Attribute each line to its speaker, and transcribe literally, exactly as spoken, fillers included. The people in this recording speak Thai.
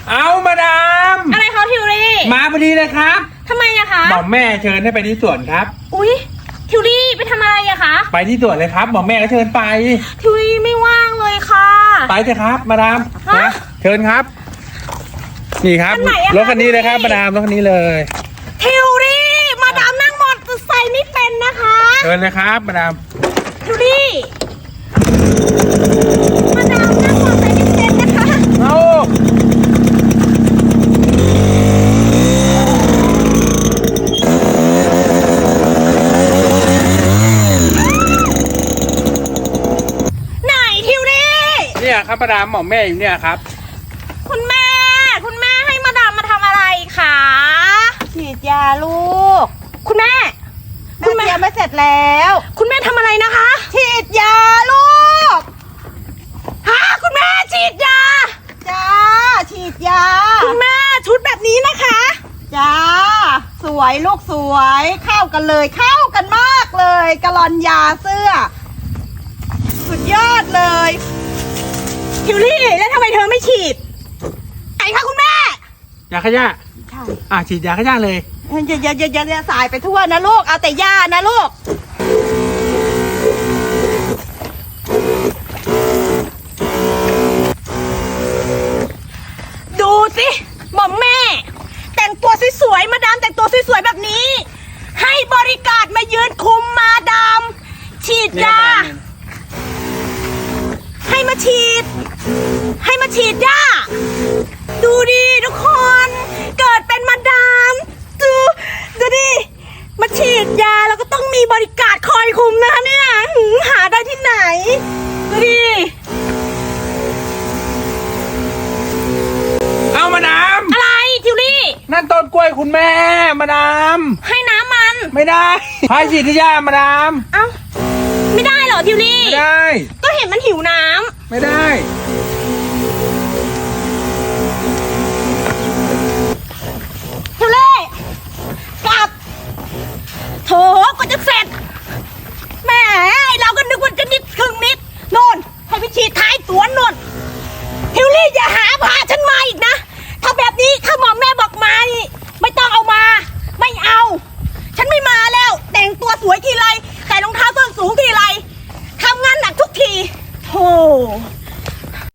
Speaker 1: เอามาดาม
Speaker 2: อะไรคะทิวรี่
Speaker 1: มาพอดีเลยครับ
Speaker 2: ทำไมอะคะ
Speaker 1: หม่อมแม่เชิญให้ไปที่สวนครับ
Speaker 2: อุ๊ยทิวรี่ไปทำอะไรอะคะ
Speaker 1: ไปที่สวนเลยครับหม่อมแม่ก็เชิญไป
Speaker 2: ทิวรี่ไม่ว่างเลยค่ะ
Speaker 1: ไปเถอะครับมาดามนะเชิญครับนี่ครับรถคันนี้เลยครับมาดามรถคันนี้เลย
Speaker 2: ทิวรี่มาดามนั่งมอเตอร์ไซค์ไม่เป็นนะคะ
Speaker 1: เชิญเลยครับมาดาม
Speaker 2: ทิวรี่มาดามนั่งมอเตอร์ไซค์ไม่เป็นนะคะ
Speaker 1: เอาเนี่ยครับมาดามหม่อมแม่อยู่เนี่ยครับ
Speaker 2: คุณแม่คุณแม่ให้มาดามมาทำอะไรคะ
Speaker 3: ฉีดยาลูก
Speaker 2: คุณแม่
Speaker 3: คุณแม่ไม่เสร็จแล้ว
Speaker 2: คุณแม่ทำอะไรนะคะ
Speaker 3: ฉีดยาลูก
Speaker 2: ฮะคุณแม่ฉีดยา
Speaker 3: จ้าฉีดยา
Speaker 2: คุณแม่ชุดแบบนี้นะคะ
Speaker 3: จ้าสวยลูกสวยเข้ากันเลยเข้ากันมากเลยกะลอนยาเสื้อสุดยอดเลย
Speaker 2: ทิวลี่แล้วทำไมเธอไม่ฉีดไอ้คะคุณแม่
Speaker 1: ยาขยะ
Speaker 3: ใช่
Speaker 1: อ่ะฉีดยาขยะเลย
Speaker 3: อย่าอย่าอย่าอย่าสายไปทั่วนะลูกเอาแต่ยานะลูก
Speaker 2: ดูสิหม่อมแม่แต่งตัวสวยๆมาดามแต่งตัวสวยๆแบบนี้ให้บริการมายืนคุมมาดามฉีดยาให้มาฉีดให้มาฉีดยาดูดิทุกคนเกิดเป็นมาดามดูดูดิมาฉีดยาแล้วก็ต้องมีบริการคอยคุมนะคะเนี่ยหาได้ที่ไหนดูดิ
Speaker 1: เอามาดาม
Speaker 2: อะไรทิวลี่
Speaker 1: นั่นต้นกล้วยคุณแม่มาดาม
Speaker 2: ให้น้ำมัน
Speaker 1: ไม่ได้พายฉีดที่ยามาดาม
Speaker 2: เอ้าไม่ได้เหรอทิวลี่
Speaker 1: ไม่ได้
Speaker 2: ก็เห็นมันหิวน้ำ
Speaker 1: ไม่ได้
Speaker 2: ทิวลี่กลับโถก็จะเสร็จ